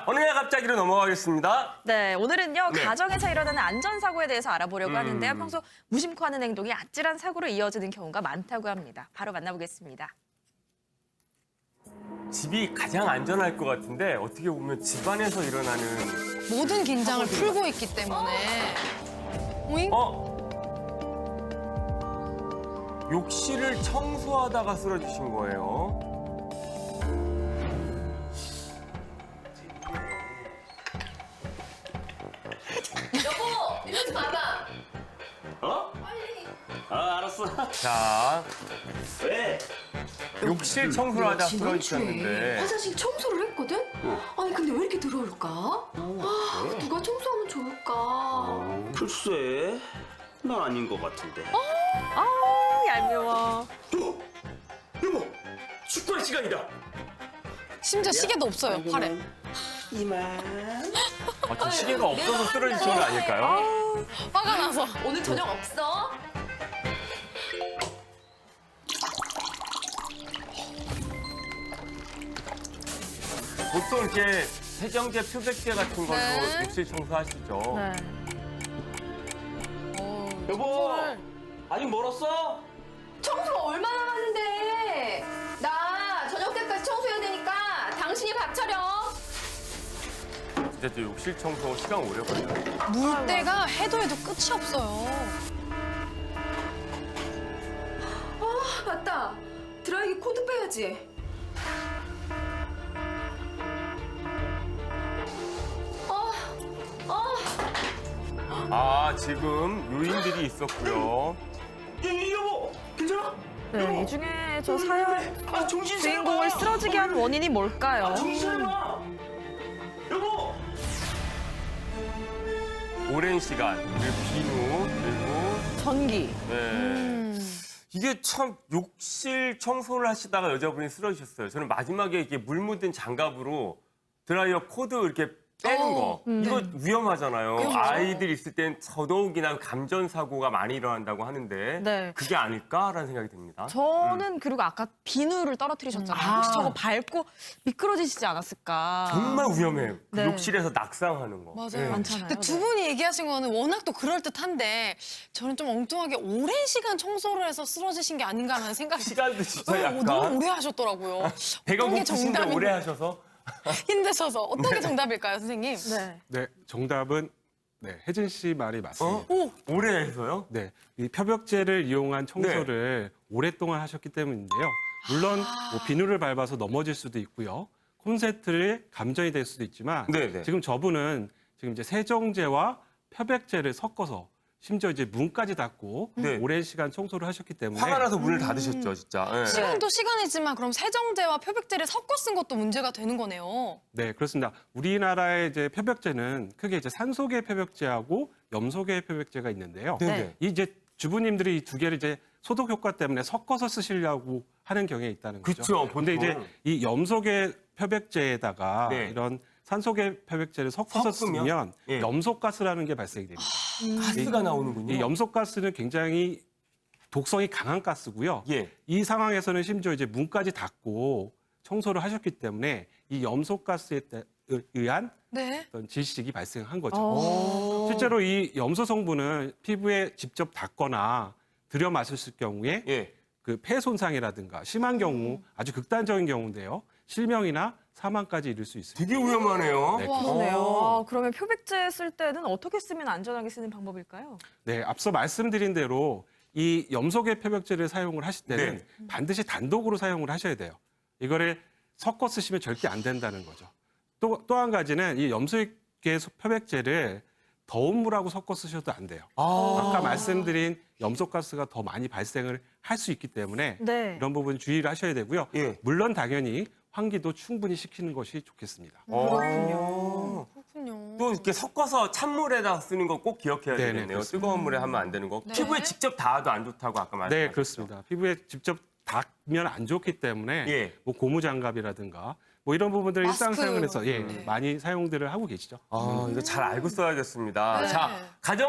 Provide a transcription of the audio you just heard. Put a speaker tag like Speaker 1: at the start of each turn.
Speaker 1: 어느 날 갑자기로 넘어가겠습니다.
Speaker 2: 네, 오늘은요
Speaker 1: 네.
Speaker 2: 가정에서 일어나는 안전사고에 대해서 알아보려고 하는데요. 평소 무심코 하는 행동이 아찔한 사고로 이어지는 경우가 많다고 합니다. 바로 만나보겠습니다.
Speaker 1: 집이 가장 안전할 것 같은데 어떻게 보면 집안에서 일어나는
Speaker 3: 모든 긴장을 풀고 있기 때문에. 오잉?
Speaker 1: 욕실을 청소하다가 쓰러지신 거예요.
Speaker 4: 여보, 이러지 마봐.
Speaker 5: 어? 아, 알았어.
Speaker 1: 자,
Speaker 5: 왜?
Speaker 1: 욕실 청소를 하다 쓰러지셨는데
Speaker 4: 화장실 청소를 했거든? 아니 근데 왜 이렇게 더러울까? 아, 누가 청소하면 좋을까?
Speaker 5: 글쎄, 난 아닌 것 같은데.
Speaker 2: 얄미워.
Speaker 1: 여보, 축구할 시간이다.
Speaker 3: 심지어 시계도 없어요, 팔에.
Speaker 5: 이만.
Speaker 1: 저 시계가 없어서 쓰러지신 거 아닐까요?
Speaker 3: 화가 나서.
Speaker 4: 오늘 저녁 없어?
Speaker 1: 보통 이렇게 세정제, 표백제 같은 걸로
Speaker 3: 네.
Speaker 1: 욕실 청소하시죠.
Speaker 2: 네.
Speaker 5: 여보, 아직 멀었어?
Speaker 4: 청소가 얼마나 남았는데? 나 저녁 때까지 청소해야 되니까 당신이 밥 차려.
Speaker 1: 진짜 저 욕실 청소 시간 오래 걸려요.
Speaker 3: 물때가 해도 끝이 없어요.
Speaker 4: 아, 맞다. 드라이기 코드 빼야지.
Speaker 1: 지금 요인들이 있었고요.
Speaker 5: 여보, 괜찮아?
Speaker 2: 네, 이 중에 저 사연
Speaker 5: 정신
Speaker 2: 주인공을 쓰러지게 한 원인이 뭘까요?
Speaker 5: 정신 차려봐. 여보.
Speaker 1: 오랜 시간, 그리고 비누, 그리고
Speaker 2: 전기.
Speaker 1: 네. 이게 참 욕실 청소를 하시다가 여자분이 쓰러지셨어요. 저는 마지막에 이렇게 물 묻은 장갑으로 드라이어 코드 이렇게 빼는 거. 이거 위험하잖아요.
Speaker 3: 위험하죠.
Speaker 1: 아이들 있을 땐 더더욱이나 감전사고가 많이 일어난다고 하는데
Speaker 2: 네.
Speaker 1: 그게 아닐까라는 생각이 듭니다.
Speaker 2: 저는 그리고 아까 비누를 떨어뜨리셨잖아요. 혹시 저거 밟고 미끄러지시지 않았을까?
Speaker 1: 정말 위험해요. 그
Speaker 2: 네.
Speaker 1: 욕실에서 낙상하는 거.
Speaker 3: 맞아요.
Speaker 1: 네.
Speaker 2: 많잖아요.
Speaker 3: 근데 두 분이 얘기하신 거는 워낙 또 그럴듯한데 저는 좀 엉뚱하게 오랜 시간 청소를 해서 쓰러지신 게 아닌가라는 생각이
Speaker 1: 시간도 진짜 약간
Speaker 3: 너무 오래 하셨더라고요.
Speaker 1: 배가
Speaker 3: 어떤 게
Speaker 1: 고프신데
Speaker 3: 정답인가?
Speaker 1: 오래 하셔서
Speaker 3: 힘드셔서 어떤 게 정답일까요, 선생님?
Speaker 2: 네.
Speaker 6: 네, 정답은 혜진 씨 말이 맞습니다.
Speaker 1: 오래 해서요?
Speaker 6: 네, 이 표백제를 이용한 청소를 오랫동안 하셨기 때문인데요. 물론 뭐 비누를 밟아서 넘어질 수도 있고요. 콘센트에 감전이 될 수도 있지만
Speaker 1: 네네.
Speaker 6: 지금 저분은 지금 이제 세정제와 표백제를 섞어서 심지어 이제 문까지 닫고
Speaker 1: 네.
Speaker 6: 오랜 시간 청소를 하셨기 때문에
Speaker 1: 화가 나서 문을 닫으셨죠, 진짜. 네.
Speaker 3: 시간도 시간이지만 그럼 세정제와 표백제를 섞어 쓴 것도 문제가 되는 거네요.
Speaker 6: 네, 그렇습니다. 우리나라의 이제 표백제는 크게 이제 산소계 표백제하고 염소계 표백제가 있는데요.
Speaker 1: 네네.
Speaker 6: 이 이제 주부님들이 이 두 개를 이제 소독 효과 때문에 섞어서 쓰시려고 하는 경향이 있다는 거죠.
Speaker 1: 그쵸,
Speaker 6: 근데 이제
Speaker 1: 보통.
Speaker 6: 이 염소계 표백제에다가
Speaker 1: 네.
Speaker 6: 이런 산소계 표백제를 섞어서
Speaker 1: 섞으면?
Speaker 6: 쓰면
Speaker 1: 예.
Speaker 6: 염소가스라는 게 발생이 됩니다.
Speaker 1: 가스가 나오는군요.
Speaker 6: 이 염소가스는 굉장히 독성이 강한 가스고요.
Speaker 1: 예.
Speaker 6: 이 상황에서는 심지어 이제 문까지 닫고 청소를 하셨기 때문에 이 염소가스에 의한
Speaker 3: 네.
Speaker 6: 어떤 질식이 발생한 거죠.
Speaker 1: 오.
Speaker 6: 실제로 이 염소 성분은 피부에 직접 닿거나 들여 마셨을 경우에
Speaker 1: 예.
Speaker 6: 그 폐 손상이라든가 심한 경우 아주 극단적인 경우인데요. 실명이나 사망까지 이를 수 있습니다.
Speaker 1: 되게 위험하네요.
Speaker 6: 네,
Speaker 2: 그러네요. 그러면 표백제 쓸 때는 어떻게 쓰면 안전하게 쓰는 방법일까요?
Speaker 6: 네, 앞서 말씀드린 대로 이 염소계 표백제를 사용을 하실 때는 반드시 단독으로 사용을 하셔야 돼요. 이거를 섞어 쓰시면 절대 안 된다는 거죠. 또 한 가지는 이 염소계 표백제를 더운 물하고 섞어 쓰셔도 안 돼요. 아까 말씀드린 염소가스가 더 많이 발생을 할 수 있기 때문에
Speaker 2: 네.
Speaker 6: 이런 부분 주의를 하셔야 되고요.
Speaker 1: 예.
Speaker 6: 물론 당연히 환기도 충분히 시키는 것이 좋겠습니다.
Speaker 1: 그렇군요.
Speaker 3: 그렇군요.
Speaker 1: 또 이렇게 섞어서 찬물에다 쓰는 거 꼭 기억해야
Speaker 6: 네네,
Speaker 1: 되겠네요.
Speaker 6: 그렇습니다.
Speaker 1: 뜨거운 물에 하면 안 되는 거. 피부에 직접 닿아도 안 좋다고 아까 말씀하셨죠.
Speaker 6: 네, 그렇습니다. 피부에 직접 닿으면 안 좋기 때문에
Speaker 1: 예.
Speaker 6: 뭐 고무장갑이라든가 뭐 이런 부분들을
Speaker 3: 마스크.
Speaker 6: 일상생활에서 많이 사용들을 하고 계시죠.
Speaker 1: 이거 잘 알고 써야겠습니다.
Speaker 3: 네.
Speaker 1: 자, 가정